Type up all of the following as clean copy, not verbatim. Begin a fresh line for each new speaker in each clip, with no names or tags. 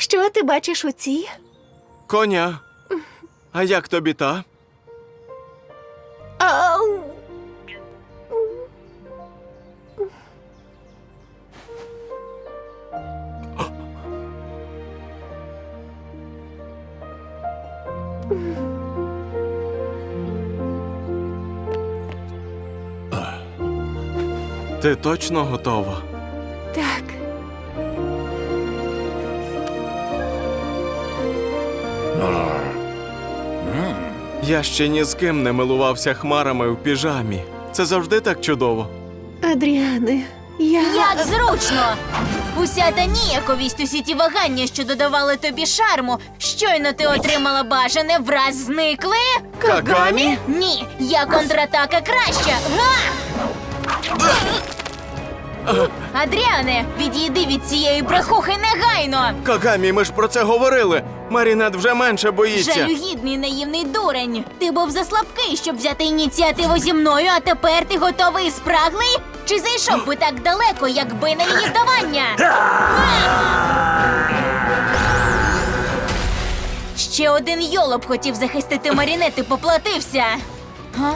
Що ти бачиш у цій?
Коня. А як тобі та?
Ау!
Ти точно готова?
Так.
Я ще ні з ким не милувався хмарами в піжамі. Це завжди так чудово.
Адріане,
Як зручно! Уся та ніяковість, усі ті вагання, що додавали тобі шарму, щойно ти отримала бажане, враз зникли?
Кагамі?
Ні, я контратака краща! Га! Адріане, відійди від цієї брехухи негайно!
Кагамі, ми ж про це говорили. Марінет вже менше боїться.
Жалюгідний наївний дурень! Ти був заслабкий, щоб взяти ініціативу зі мною, а тепер ти готовий і спраглий? Чи зайшов би так далеко, якби не її вдавання? Ще один йолоп хотів захистити Марінет і поплатився. Га?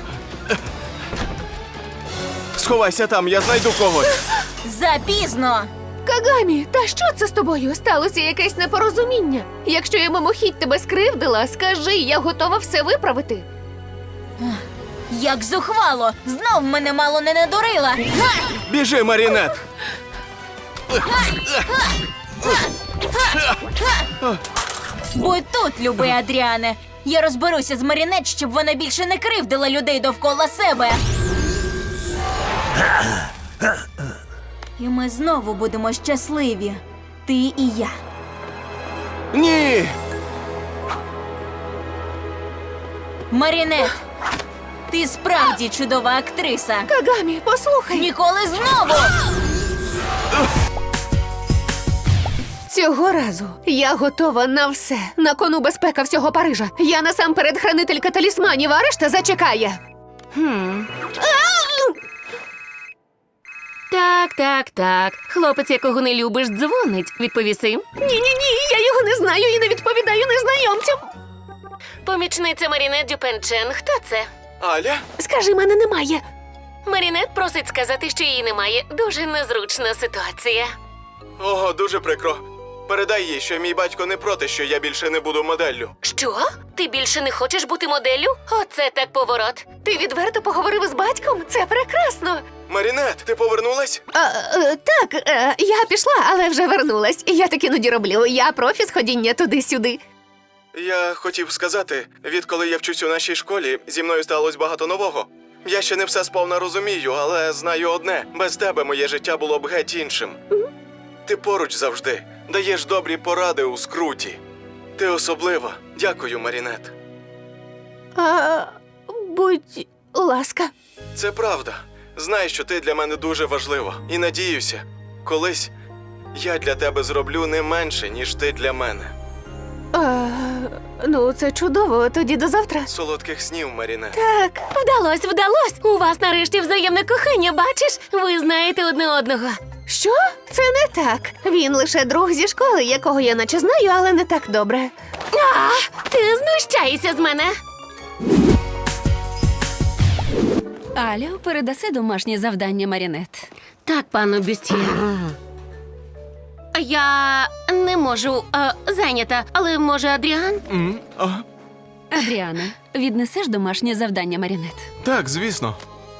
Сховайся там, я знайду когось.
Запізно!
Кагамі, та що це з тобою? Сталося якесь непорозуміння. Якщо я мимохідь тебе скривдила, скажи, я готова все виправити.
Як зухвало! Знов мене мало не надурила! Га!
Біжи, Марінет.
Будь тут, любий Адріане. Я розберуся з Марінет, щоб вона більше не кривдила людей довкола себе. І ми знову будемо щасливі. Ти і я.
Ні!
Марінет, ти справді чудова актриса.
Кагамі, послухай.
Ніколи знову!
Цього разу я готова на все. На кону безпека всього Парижа. Я насамперед хранителька талісманів, а решта зачекає.
Так. Хлопець, якого не любиш, дзвонить. Відповіси.
Ні, я його не знаю і не відповідаю незнайомцям.
Помічниця Марінет Дюпенчен. Хто це?
Аля?
Скажи, мене немає.
Марінет просить сказати, що її немає. Дуже незручна ситуація.
Ого, дуже прикро. Передай їй, що мій батько не проти, що я більше не буду моделлю.
Що? Ти більше не хочеш бути моделлю? Оце так поворот.
Ти відверто поговорив з батьком? Це прекрасно.
Марінет, ти повернулась?
Так, я пішла, але вже вернулась. Я так іноді роблю. Я профі з ходіння туди-сюди.
Я хотів сказати, відколи я вчусь у нашій школі, зі мною сталося багато нового. Я ще не все сповна розумію, але знаю одне. Без тебе моє життя було б геть іншим. Ти поруч завжди. Даєш добрі поради у скруті. Ти особлива. Дякую, Марінет.
Будь ласка.
Це правда. Знай, що ти для мене дуже важлива. І надіюся, колись я для тебе зроблю не менше, ніж ти для мене.
Ну, це чудово. Тоді до завтра.
Солодких снів, Марінет.
Так.
Вдалось! У вас нарешті взаємне кохання, бачиш? Ви знаєте одне одного.
Що? Це не так. Він лише друг зі школи, якого я наче знаю, але не так добре.
Ти знущаєшся з мене.
Алю, передаси домашнє завдання Марінет.
Так, пану Бюстьє. Я не можу, зайнята, але може Адріан?
Адріане, віднесеш домашнє завдання Марінет?
Так, звісно.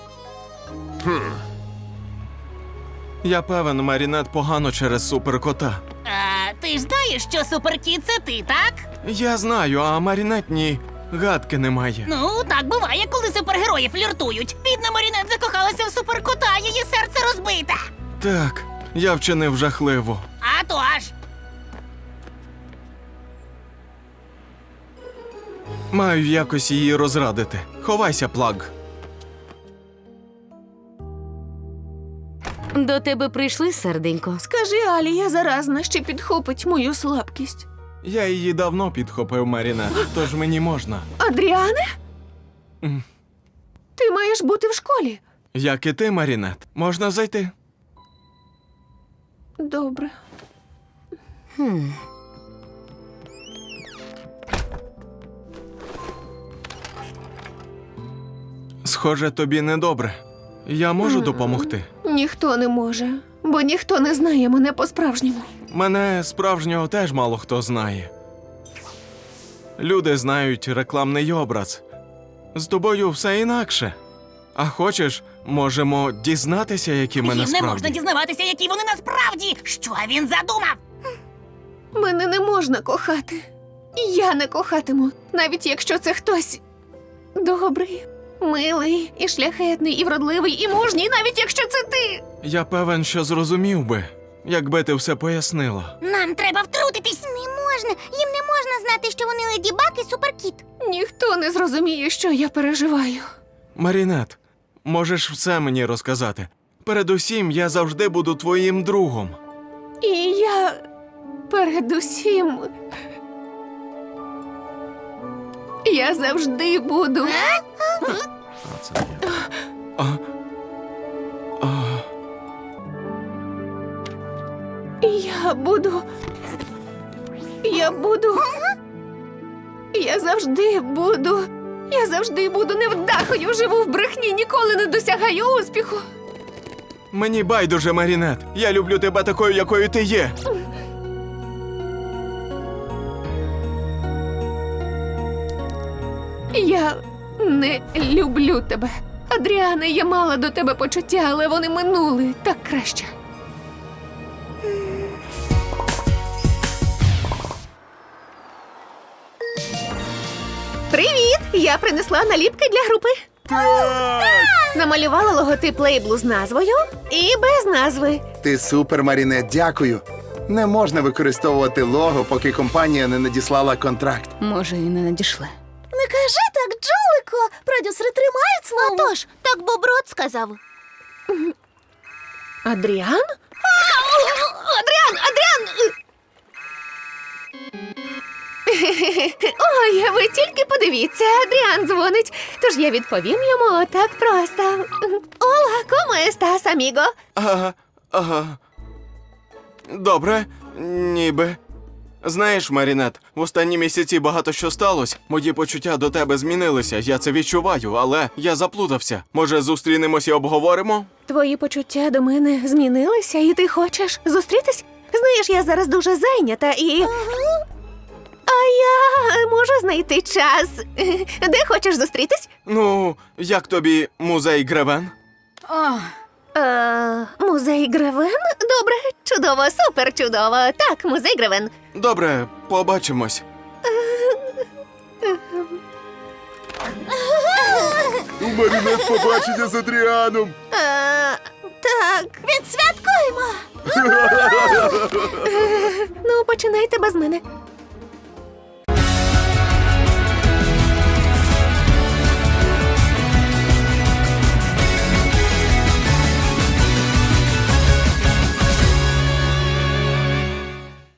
Я певен, Марінет погано через суперкота.
Ти ж знаєш, що суперкіт – це ти, так?
Я знаю, а Марінет ні. Гадки немає.
Ну, так буває, коли супергерої фліртують. Бідна Марінет закохалася в суперкота, її серце розбите.
Так, я вчинив жахливо.
А то ж.
Маю якось її розрадити. Ховайся, Плаг.
До тебе прийшли, серденько?
Скажи, Алі, я заразна, ще підхопить мою слабкість.
Я її давно підхопив, Марінет, тож мені можна.
Адріане?
Мгм.
Ти маєш бути в школі.
Як і ти, Марінет, можна зайти?
Добре.
Схоже, тобі недобре. Я можу допомогти?
Ніхто не може, бо ніхто не знає мене по-справжньому.
Мене справжнього теж мало хто знає. Люди знають рекламний образ. З тобою все інакше. А хочеш, можемо дізнатися, які ми
Їм не
насправді.
можна дізнаватися, які вони насправді. Що він задумав?
Мене не можна кохати. Я не кохатиму, навіть якщо це хтось добрий, милий, і шляхетний, і вродливий, і мужній, навіть якщо це ти.
Я певен, що зрозумів би, якби ти все пояснила.
Нам треба втрутитись. Не можна. Їм не можна знати, що вони Леді Баг і Суперкіт.
Ніхто не зрозуміє, що я переживаю.
Марінет, можеш все мені розказати. Передусім, я завжди буду твоїм другом.
І я передусім. Я завжди буду.
А це я. А,
Я буду. Я завжди буду. Я завжди буду невдахою, живу в брехні, ніколи не досягаю успіху.
мені байдуже, Марінет. Я люблю тебе такою, якою ти є.
Я не люблю тебе. Адріане, я мала до тебе почуття, але вони минули так краще. Привіт! Я принесла наліпки для групи. Намалювала логотип лейблу з назвою і без назви.
Ти супер, Марінет, дякую. Не можна використовувати лого, поки компанія не надіслала контракт.
Може, і не надійшли.
Не кажи так, Джолико. Продюсери тримають слово. Отож, так Боброт сказав.
Адріан? Адріан! Ой, ви тільки подивіться, Адріан дзвонить. Тож я відповім йому отак просто. Ола, como estás, amigo?
Ага. Добре, ніби. Знаєш, Марінет, в останні місяці багато що сталося. Мої почуття до тебе змінилися, я це відчуваю, але я заплутався. Може, зустрінемось і обговоримо?
Твої почуття до мене змінилися, і ти хочеш зустрітись? Знаєш, я зараз дуже зайнята і. А я можу знайти час. Де хочеш зустрітись?
Ну, як тобі музей Гревен?
Музей Гревен? Добре, чудово, супер чудово. Так, музей Гревен.
Добре, побачимось.
У Марінет побачення з Адріаном.
Так. Відсвяткуємо. Ну, починайте без мене.